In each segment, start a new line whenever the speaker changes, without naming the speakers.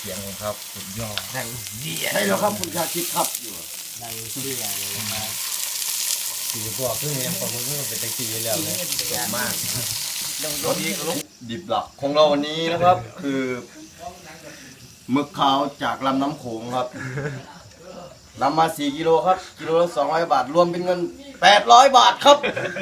เสียงครับสุดยอดดังเดีย
ใช่แล้วครับคุณชาคิดครับอยู่
ดังเดียเลยนะครับสีตัวขึ้นยังประมือขึ้นเป็นตะกี้แล้วเลยสดมาก
ดิบหลักของเราวันนี้นะครับ คือหมึกขาวจากลำน้ำโขงครับนำมา4กิโลครับกิโลละ200 บาทรวมเป็นเงิน800 บาทครับ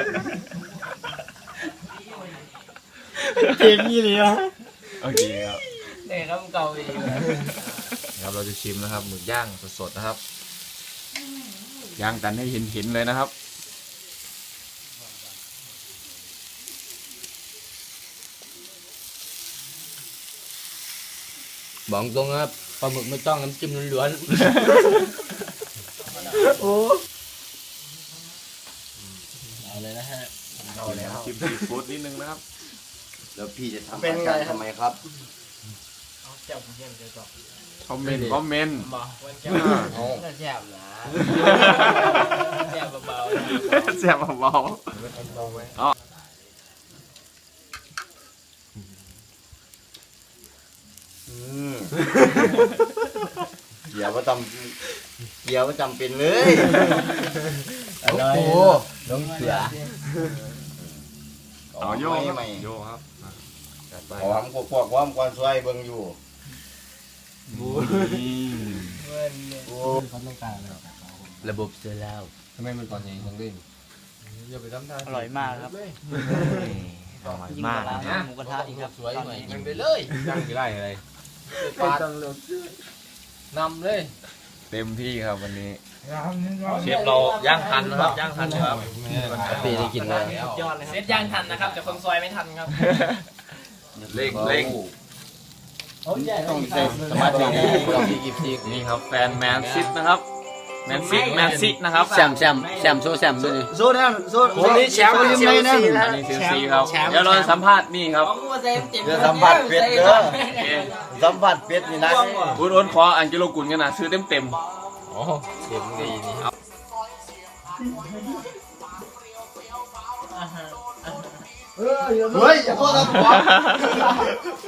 เกมยี่เลยนะโอเคครับ
เนี่ยครับเก่าอีก
ครับเราจะชิมนะครับหมึกย่างสดๆนะครับย่างกันให้เห็นเลยนะครับบอกตรงครับปลาหมึกไม่ต้องน้ำจิ้มล้วนๆโอ้เอาเลยนะฮะเอาแล้วจิ้มซีฟู้ดนิดนึงนะครับ
แล้วพี่จะทำเป็นไงทำไมครับ
คอมเมนต์
บอกวันแก้วแซ่บนะแซ่บเบา
แซ่บเบาอ๋อ
เกี๊ยวประจำเป็นเลยโอ้โห
น้องเสือโย่ครับโย่ครับ
หอมกวกความกวนซวยเบิ่งอยู่
เขาต้องการระบบเซลล์ทำไมมันตอนนี้ต้องเล่นอย่าไปทำท่า
อร่อยมากครับ
อร่อยมาก
นะหมูกระทะอีกครับสวยหน่อยยิงไปเลย
ย่างกี่ไร่อะไร
นำเลย
เต็มที่ครับวันนี้เชฟเราย่างทันนะครับย่างทันครับปีได้กินเลย
ยอดเลยครับเซตย่างทันนะครับแต่คนซอยไม่ทันครับ
เร่ง
ต้องใช้สมาธิต้องมีกิบซี
นี่ครับแฟนแมนซิตนะครับแมนซินะครับ
แซมโซ่แซมด้วยนี่
โซ่แน่โซ่
วันนี้แชมป์เชลซีนะอันนี้เชลซีครับเดี๋ยวเราสัมภาษณ์นี่ครับ
เดี๋ยวสัมผัสเป็ดเด้อสัมผัสเป็ดนี่นะ
อ้นขออันกิโลกุลกันนะซื้อเต็ม
อ๋อเสียงดีนี่
เฮ้ยอย่าโทษนะผม